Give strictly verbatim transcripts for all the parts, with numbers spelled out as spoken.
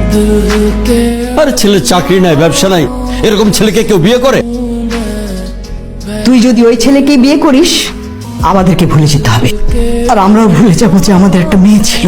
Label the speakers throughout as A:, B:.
A: আরে ছেলের চাকরি নাই, ব্যবসা নাই, এরকম ছেলেকে কেউ বিয়ে করে?
B: তুই যদি ওই ছেলেকে বিয়ে করিস আমাদেরকে ভুলে যেতে হবে, আর আমরাও ভুলে যাবো যে আমাদের একটা মেয়ে ছিল।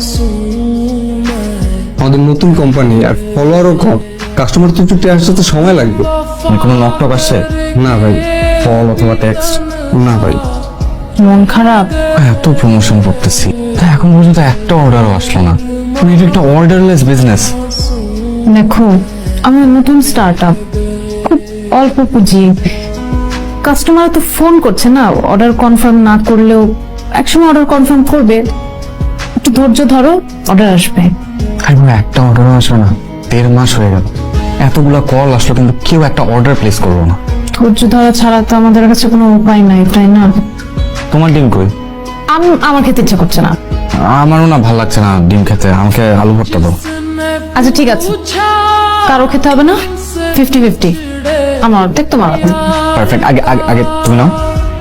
C: আমাদের নতুন কোম্পানি আর ফলোয়ারও কম, কাস্টমার তো একটু আসতে তো সময় লাগবে।
D: কোনো ল্যাপটপ আসছে?
C: না ভাই, কল অথবা টেক্সট না ভাই।
E: মন খারাপ?
D: এত প্রমোশন করতেছি তা এখন পর্যন্ত একটা অর্ডারও আসলো না। এটা একটা অর্ডারলেস বিজনেস।
E: দেখো, আমার নতুন স্টার্ট আপ, খুব অল্প পুঁজি, কাস্টমার তো ফোন করছে না, অর্ডার কনফার্ম না করলেও একসময় অর্ডার কনফার্ম করবে। একটু ধৈর্য ধরো, অর্ডার আসবে।
D: আর একটা অর্ডারও আসবে না, দেড় মাস হয়ে গেল, এতগুলা কল আসলো কিন্তু কেউ একটা অর্ডার প্লেস করবো না।
E: ধৈর্য ধরা ছাড়া তো আমাদের কাছে কোনো উপায় নাই, তাই না?
D: তোমার ডিম কই?
E: আমি আমার খেতে ইচ্ছা করছে না।
D: আমারও না ভালো লাগছে না ডিম খেতে, আমাকে আলু ভর্তা দাও।
E: আচ্ছা ঠিক আছে, কারো খেতে হবে না, ফিফটি ফিফটি, আমার অর্ধেক তোমার অর্ধেক।
D: পারফেক্ট। আগে আগে আগে তুমি নাও।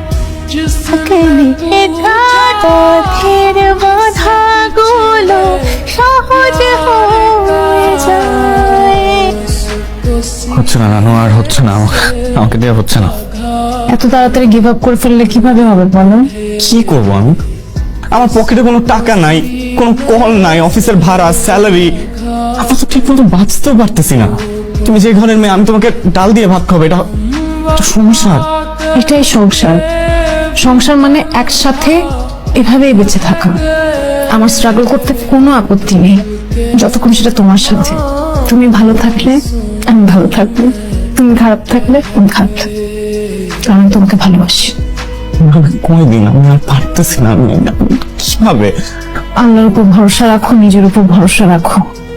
D: হচ্ছে না নানু, আর হচ্ছে না, আমাকে আমাকে দেওয়া হচ্ছে না।
E: এত তাড়াতাড়ি গিভ আপ করে ফেললে কিভাবে হবে বলো?
D: কি করবো আমি? আমার পকেটে কোনো টাকা নাই, কোনো কল নাই, অফিসের ভাড়া, স্যালারি, আমরা তো ঠিক মতো বাঁচতেও পারতেছি না। তুমি যে ঘরের মেয়ে, আমি তোমাকে ডাল দিয়ে ভাত খাবো, এটা এটা সংসার।
E: এটাই সংসার। সংসার মানে একসাথে এভাবেই বেঁচে থাকা। আমার স্ট্রাগল করতে কোনো আপত্তি নেই, যতক্ষণ সেটা তোমার সাথে। তুমি ভালো থাকলে আমি ভালো থাকবো, তুমি খারাপ থাকলে আমি খারাপ থাকবো। আমি তোমাকে ভালোবাসি।
D: কয়দিন আমি আর পারতেছি না, আমি কিভাবে?
E: আল্লাহর উপর ভরসা রাখো, নিজের উপর ভরসা রাখো।